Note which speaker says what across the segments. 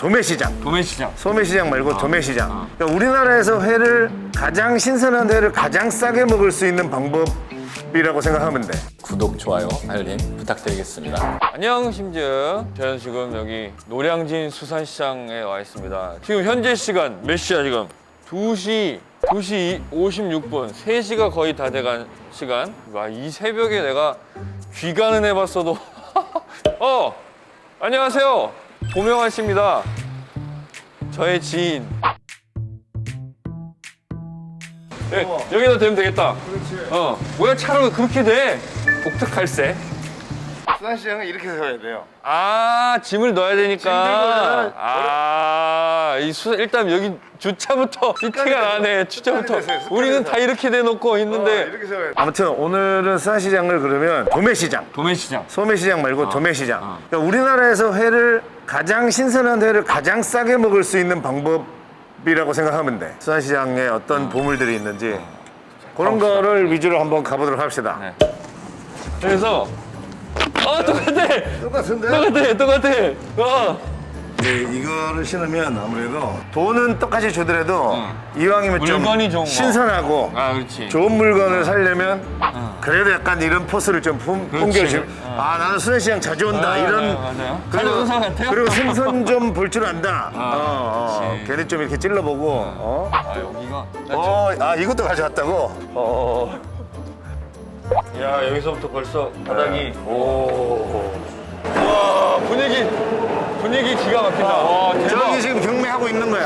Speaker 1: 도매시장.
Speaker 2: 도매시장.
Speaker 1: 소매시장 말고 도매시장. 그러니까 우리나라에서 회를 가장 신선한 회를 가장 싸게 먹을 수 있는 방법이라고 생각하면 돼.
Speaker 3: 구독, 좋아요, 알림 부탁드리겠습니다.
Speaker 2: 안녕 심즈. 저는 지금 여기 노량진 수산시장에 와 있습니다. 지금 현재 시간 몇 시야 지금? 2시 56분. 3시가 거의 다 돼간 시간. 와, 이 새벽에 내가 귀가는 해봤어도 안녕하세요. 고명환 씨입니다. 저의 지인. 네, 여기다 대면 되겠다.
Speaker 1: 그렇지.
Speaker 2: 뭐야 차로 그렇게 돼? 독특할세.
Speaker 1: 수산시장은 이렇게 세워야 돼요.
Speaker 2: 아, 짐을 넣어야 되니까.
Speaker 1: 짐
Speaker 2: 일단 여기 주차부터 이 티가 나네. 주차부터.
Speaker 1: 됐어요. 습관이
Speaker 2: 우리는
Speaker 1: 됐어.
Speaker 2: 다 이렇게 대놓고 있는데.
Speaker 1: 이렇게 세워야 돼. 아무튼 오늘은 수산시장을 그러면 도매시장.
Speaker 2: 도매시장.
Speaker 1: 소매시장 말고 도매시장. 그러니까 우리나라에서 회를 가장 신선한 회를 가장 싸게 먹을 수 있는 방법이라고 생각하면 돼. 수산시장에 어떤 보물들이 있는지 그런 거를 위주로 한번 가보도록 합시다.
Speaker 2: 네. 그래서 똑같아.
Speaker 1: 똑같은데?
Speaker 2: 똑같아.
Speaker 1: 네, 이거를 신으면 아무래도 돈은 똑같이 주더라도 이왕이면 좀
Speaker 2: 물건이 좋은 거.
Speaker 1: 신선하고
Speaker 2: 그렇지.
Speaker 1: 좋은 물건을 사려면 그래도 약간 이런 포스를 좀 풍겨주면 나는 수산시장 자주 온다 이런
Speaker 2: 맞아요. 자주 오는 사람 같아요?
Speaker 1: 그리고 생선 좀 볼 줄 안다.
Speaker 2: 그렇지.
Speaker 1: 괜히 좀 이렇게 찔러보고
Speaker 2: 여기가.
Speaker 1: 이것도 가져왔다고?
Speaker 2: 야, 여기서부터 벌써 바닥이. 와, 분위기 기가 막힌다. 와, 대박.
Speaker 1: 저기 지금 경매하고 있는 거야.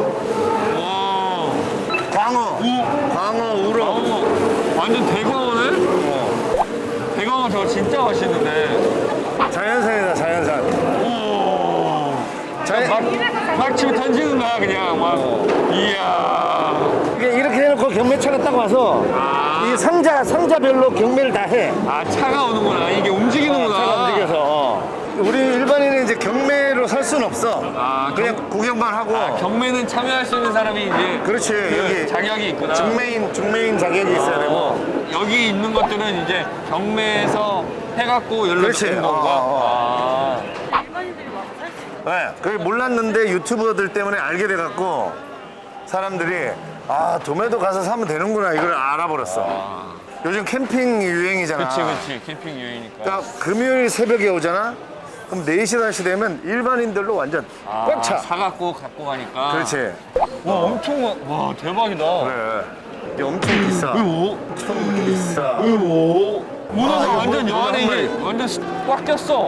Speaker 2: 와.
Speaker 1: 광어, 우럭.
Speaker 2: 완전 대광어네? 대광어 저거 진짜 맛있는데.
Speaker 1: 자연산이다, 자연산.
Speaker 2: 오. 막 치고 던지는 거야, 그냥. 막. 이야.
Speaker 1: 이렇게 해놓고 경매차가 딱 와서 이 상자별로 경매를 다 해.
Speaker 2: 차가 오는구나. 이게 움직이는구나.
Speaker 1: 차가 움직여서. 우리 일반인은 이제 경매로 살 수는 없어. 그냥 구경만 하고.
Speaker 2: 경매는 참여할 수 있는 사람이 이제.
Speaker 1: 그렇지, 여기
Speaker 2: 자격이 있구나.
Speaker 1: 중매인 자격이 있어야 되고.
Speaker 2: 여기 있는 것들은 이제 경매에서 해갖고 연락
Speaker 1: 그렇지.
Speaker 2: 주는 건가?
Speaker 4: 일반인들이 와서 살 수 있는
Speaker 1: 네, 그게 몰랐는데 유튜버들 때문에 알게 돼갖고 사람들이 도매도 가서 사면 되는구나 이걸 알아버렸어. 요즘 캠핑 유행이잖아.
Speaker 2: 그치. 캠핑 유행이니까.
Speaker 1: 그러니까 금요일 새벽에 오잖아. 그럼 4시, 5시 되면 일반인들로 완전 꽉 차.
Speaker 2: 사갖고 갖고 가니까.
Speaker 1: 그렇지.
Speaker 2: 와, 와, 대박이다.
Speaker 1: 그래. 이게 엄청 비싸. 엄청 비싸.
Speaker 2: 문어가
Speaker 1: 이거
Speaker 2: 완전 여 안에
Speaker 1: 문어 한
Speaker 2: 이게 완전 꽉 꼈어.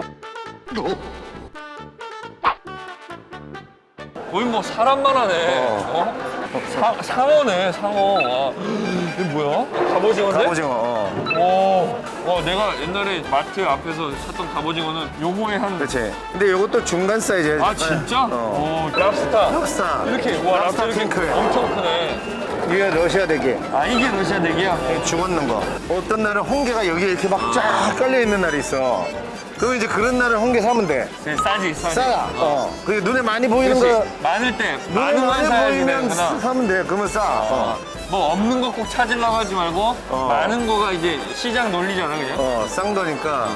Speaker 2: 거의 뭐 사람만 하네. 상어네, 상어. 와. 이게 뭐야? 갑오징어인데?
Speaker 1: 갑오징어.
Speaker 2: 와, 내가 옛날에 마트 앞에서 샀던 갑오징어는 요거에 한.
Speaker 1: 그렇지. 근데 이것도 중간 사이즈야.
Speaker 2: 진짜?
Speaker 1: 어.
Speaker 2: 랍스타.
Speaker 1: 랍스타.
Speaker 2: 이렇게,
Speaker 1: 랍스타
Speaker 2: 랍스타
Speaker 1: 핑크.
Speaker 2: 엄청 크네.
Speaker 1: 이게 러시아 대게.
Speaker 2: 이게 러시아 대기야?
Speaker 1: 죽었는 거. 어떤 날은 홍게가 여기에 이렇게 막 쫙 깔려 있는 날이 있어. 그럼 이제 그런 날은 홍게 사면 돼.
Speaker 2: 싸지.
Speaker 1: 싸. 그게 눈에 많이 보이는 거.
Speaker 2: 많을 때,
Speaker 1: 눈에
Speaker 2: 많은 건
Speaker 1: 많이
Speaker 2: 사야지
Speaker 1: 보이면
Speaker 2: 되는구나.
Speaker 1: 사면 돼. 그러면 싸.
Speaker 2: 뭐 없는 거 꼭 찾으려고 하지 말고 많은 거가 이제 시장 논리잖아, 그냥.
Speaker 1: 쌍도니까.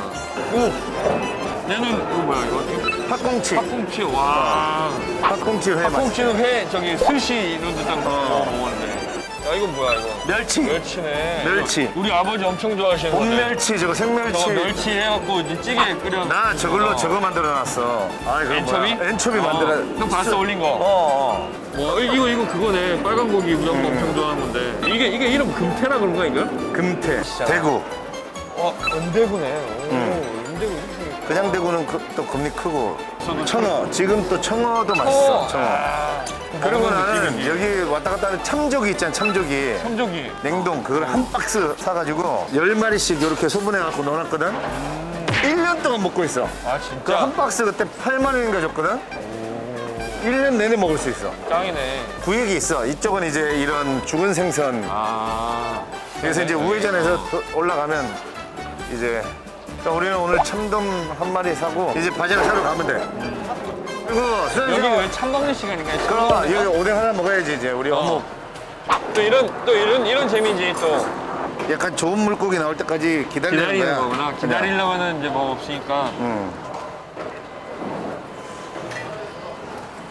Speaker 2: 얘는 이거 뭐야, 이거?
Speaker 1: 팥꽁치.
Speaker 2: 팥꽁치. 와.
Speaker 1: 팥꽁치 회 맛.
Speaker 2: 팥꽁치는 회, 저기 스시 이런 데딱 먹었는데. 야, 이거 뭐야, 이거?
Speaker 1: 멸치.
Speaker 2: 멸치네.
Speaker 1: 멸치.
Speaker 2: 이거 우리 아버지 엄청 좋아하시는 건데.
Speaker 1: 봄멸치, 저거 생멸치.
Speaker 2: 저거 멸치 해갖고 이제 찌개 끓여.
Speaker 1: 나 저걸로 저거 만들어놨어. 그거
Speaker 2: 엔초비?
Speaker 1: 뭐야? 엔초비 만들어.
Speaker 2: 형 봤어, 올린 거? 와, 이거 그거네. 빨간 고기 우리 엄마 엄청 좋아하는 건데. 이게 이름 금태라 그런 거야, 이거?
Speaker 1: 금태. 대구.
Speaker 2: 은대구네. 은대구 이렇게.
Speaker 1: 그냥 대구는 또 금리 크고.
Speaker 2: 저도
Speaker 1: 청어. 지금 또 청어도 맛있어. 청어. 그리고 나는
Speaker 2: 느낌이지.
Speaker 1: 여기 왔다 갔다 하는 참조기 있잖아, 참조기.
Speaker 2: 참조기.
Speaker 1: 냉동 그걸 한 박스 사가지고 10마리씩 이렇게 소분해갖고 넣어놨거든. 1년 동안 먹고 있어. 그
Speaker 2: 진짜?
Speaker 1: 한 박스 그때 8만 원인가 줬거든. 1년 내내 먹을 수 있어.
Speaker 2: 짱이네.
Speaker 1: 구역이 있어. 이쪽은 이제 이런 죽은 생선. 그래서 이제 우회전해서 올라가면 이제 그러니까 우리는 오늘 참돔 한 마리 사고 이제 바지락 사러 가면 돼. 그리고
Speaker 2: 여기는 왜 참 먹는 시간인가?
Speaker 1: 그럼 여기 오뎅 하나 먹어야지 이제 우리 어묵.
Speaker 2: 또 이런 재미지 또.
Speaker 1: 약간 좋은 물고기 나올 때까지 기다리는
Speaker 2: 기다리는
Speaker 1: 거야.
Speaker 2: 거구나. 기다리려면은 이제 뭐 없으니까.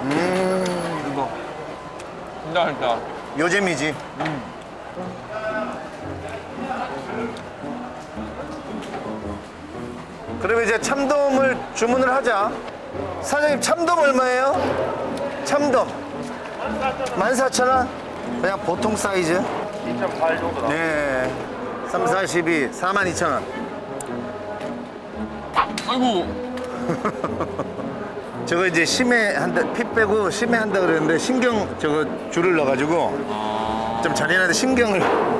Speaker 2: 이거 진짜 맛있다.
Speaker 1: 요잼이지. 그러면 이제 참돔을 주문을 하자. 사장님 참돔 얼마예요? 참돔 14,000원? 그냥 보통 사이즈?
Speaker 5: 2.8 정도 나.
Speaker 1: 네 3, 4, 12 42,000원.
Speaker 2: 아이고.
Speaker 1: 저거 이제 심해한다, 피 빼고 심해한다 그랬는데 신경 저거 줄을 넣어가지고 좀 잔인한데 신경을.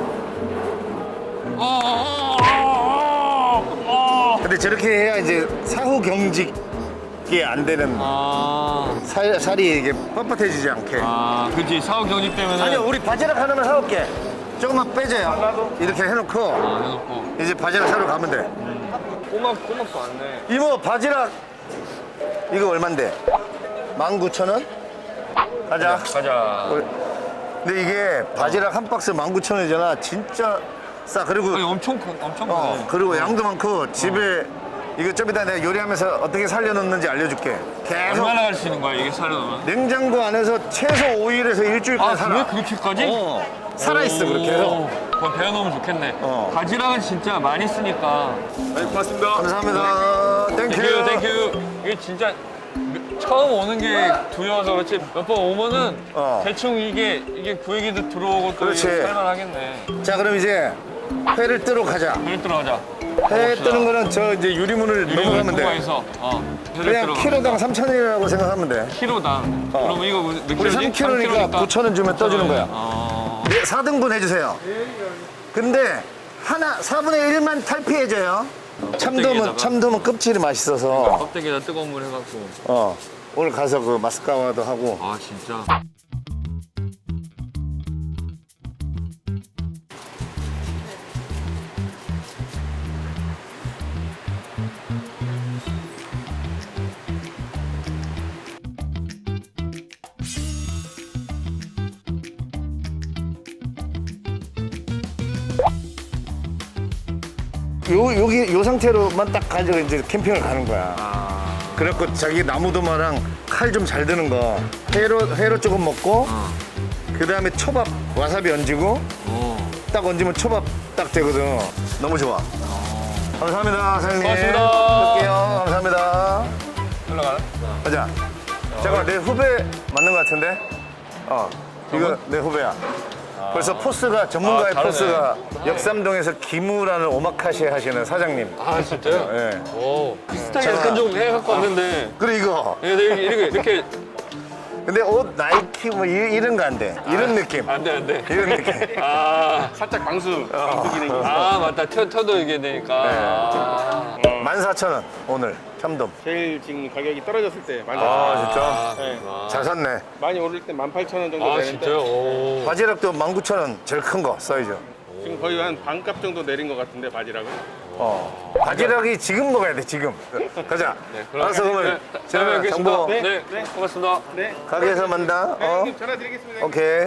Speaker 1: 근데 저렇게 해야 이제 사후 경직이 안 되는 살이 이게 뻣뻣해지지 않게.
Speaker 2: 그렇지. 사후 경직 때문에.
Speaker 1: 아니요, 우리 바지락 하나만 사올게. 조금만 빼줘요. 이렇게 해놓고
Speaker 2: 해놓고.
Speaker 1: 이제 바지락 사러 가면 돼.
Speaker 2: 꼬막도 안 돼.
Speaker 1: 이모 바지락 이거 얼만데? 19,000원? 가자.
Speaker 2: 가자.
Speaker 1: 근데 이게 바지락 한 박스 19,000원이잖아. 진짜 싸. 그리고
Speaker 2: 아니, 엄청 크네.
Speaker 1: 그리고 양도 많고 집에 이거 좀 이따 내가 요리하면서 어떻게 살려놓는지 알려줄게. 계속
Speaker 2: 얼마나 갈 수 있는 거야 이게 살려놓으면?
Speaker 1: 냉장고 안에서 최소 5일에서 일주일까지 살아.
Speaker 2: 그래? 그렇게까지?
Speaker 1: 살아있어 그렇게 해서.
Speaker 2: 그럼 배워놓으면 좋겠네.
Speaker 1: 어.
Speaker 2: 바지락은 진짜 많이 쓰니까.
Speaker 5: 고맙습니다.
Speaker 1: 감사합니다. 땡큐.
Speaker 2: 땡큐. 이게 진짜 처음 오는 게 두려워서 그렇지 몇 번 오면은 대충 이게 구역에도 들어오고 또
Speaker 1: 그렇지.
Speaker 2: 살만하겠네.
Speaker 1: 자 그럼 이제 회를 뜨러 가자.
Speaker 2: 회를 들어가자.
Speaker 1: 회 뜨는 거는 저 이제 유리문을 넘어가면 돼.
Speaker 2: 통과해서 회를
Speaker 1: 그냥
Speaker 2: 들어가면
Speaker 1: 키로당 3,000원이라고 생각하면 돼.
Speaker 2: 키로당. 그러면 이거 몇
Speaker 1: 우리
Speaker 2: 킬로지?
Speaker 1: 3kg니까 9,000원 주면 떠주는 거야. 네, 4등분 해주세요. 근데 하나 4분의 1만 탈피해줘요. 참돔은 껍질이 맛있어서.
Speaker 2: 껍데기에다 뜨거운 물 해갖고.
Speaker 1: 오늘 가서 그 마스카와도 하고.
Speaker 2: 아 진짜.
Speaker 1: 여기 요 상태로만 딱 가지고 이제 캠핑을 가는 거야. 그래갖고 자기 나무도마랑 칼 좀 잘 드는 거 회로 조금 먹고 그 다음에 초밥 와사비 얹고 딱 얹으면 초밥 딱 되거든. 너무 좋아. 감사합니다 사장님.
Speaker 2: 고맙습니다.
Speaker 1: 할게요. 감사합니다.
Speaker 2: 올라가나?
Speaker 1: 가자. 잠깐만 내 후배 맞는 것 같은데? 이거 내 후배야. 벌써 포스가 전문가의
Speaker 2: 다르네.
Speaker 1: 포스가 역삼동에서 기무라는 오마카세 하시는 사장님.
Speaker 2: 아 진짜요?
Speaker 1: 네.
Speaker 2: 오 비슷하게 약간 좀 해갖고 왔는데
Speaker 1: 그리고 이거.
Speaker 2: 이렇게
Speaker 1: 근데 옷 나이키 뭐 이런 거 안 돼. 이런 느낌.
Speaker 2: 안돼
Speaker 1: 이런 느낌.
Speaker 5: 살짝 방수 기능이 있어.
Speaker 2: 맞다 터도 이게 되니까
Speaker 1: 14,000원 오늘 참돔.
Speaker 5: 제일 지금 가격이 떨어졌을 때 14,000원.
Speaker 1: 진짜?
Speaker 5: 네.
Speaker 1: 잘 샀네.
Speaker 5: 많이 오를 때 18,000원 정도
Speaker 2: 아
Speaker 5: 되는데
Speaker 2: 진짜요? 오.
Speaker 1: 바지락도 19,000원 제일 큰 거 사이즈.
Speaker 5: 지금 거의 한 반값 정도 내린 것 같은데 바지락은.
Speaker 1: 바지락이 지금 먹어야 돼 지금. 가자. 알았어 그러면
Speaker 2: 다음에
Speaker 1: 제가 정보
Speaker 2: 네, 고맙습니다.
Speaker 5: 네.
Speaker 1: 가게에서 만나.
Speaker 5: 네, 형님 전화 드리겠습니다.
Speaker 1: 오케이.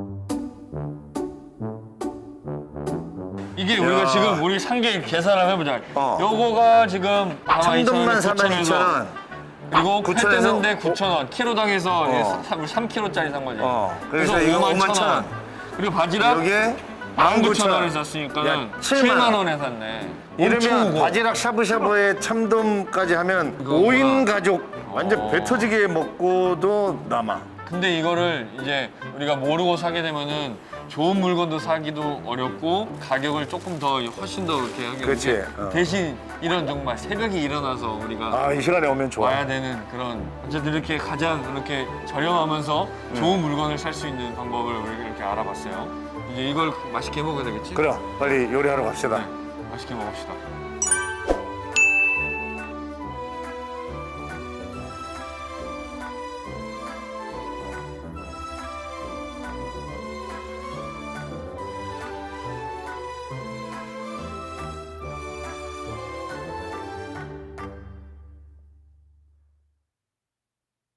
Speaker 2: 이게 우리가 지금 우리 상계 계산을 해보자.
Speaker 1: 어.
Speaker 2: 요거가 지금
Speaker 1: 참돔만
Speaker 2: 42,000원에서
Speaker 1: 42,000원.
Speaker 2: 그리고
Speaker 1: 9,000원에서
Speaker 2: 뜨는데 9,000원. 키로당에서 3kg짜리 산 거지.
Speaker 1: 그래서 이거 51,000원.
Speaker 2: 그리고 바지락
Speaker 1: 여기에
Speaker 2: 19,000원에
Speaker 1: 야,
Speaker 2: 샀으니까는
Speaker 1: 7만
Speaker 2: 7만 원에 샀네. 엄청
Speaker 1: 이러면
Speaker 2: 오고.
Speaker 1: 바지락 샤브샤브에 참돔까지 하면 5인 가족 완전 배 터지게 먹고도 남아.
Speaker 2: 근데 이거를 이제 우리가 모르고 사게 되면은 좋은 물건도 사기도 어렵고 가격을 조금 더 훨씬 더 이렇게 하게
Speaker 1: 그렇지.
Speaker 2: 되는데 대신 이런 정말 새벽에 일어나서 우리가
Speaker 1: 이 시간에 오면 좋아.
Speaker 2: 와야 되는 그런 어쨌든 이렇게 가장 이렇게 저렴하면서 좋은 물건을 살 수 있는 방법을 우리가 이렇게 알아봤어요. 이제 이걸 맛있게 먹어야 되겠지?
Speaker 1: 그래, 빨리 요리하러 갑시다.
Speaker 2: 네, 맛있게 먹읍시다.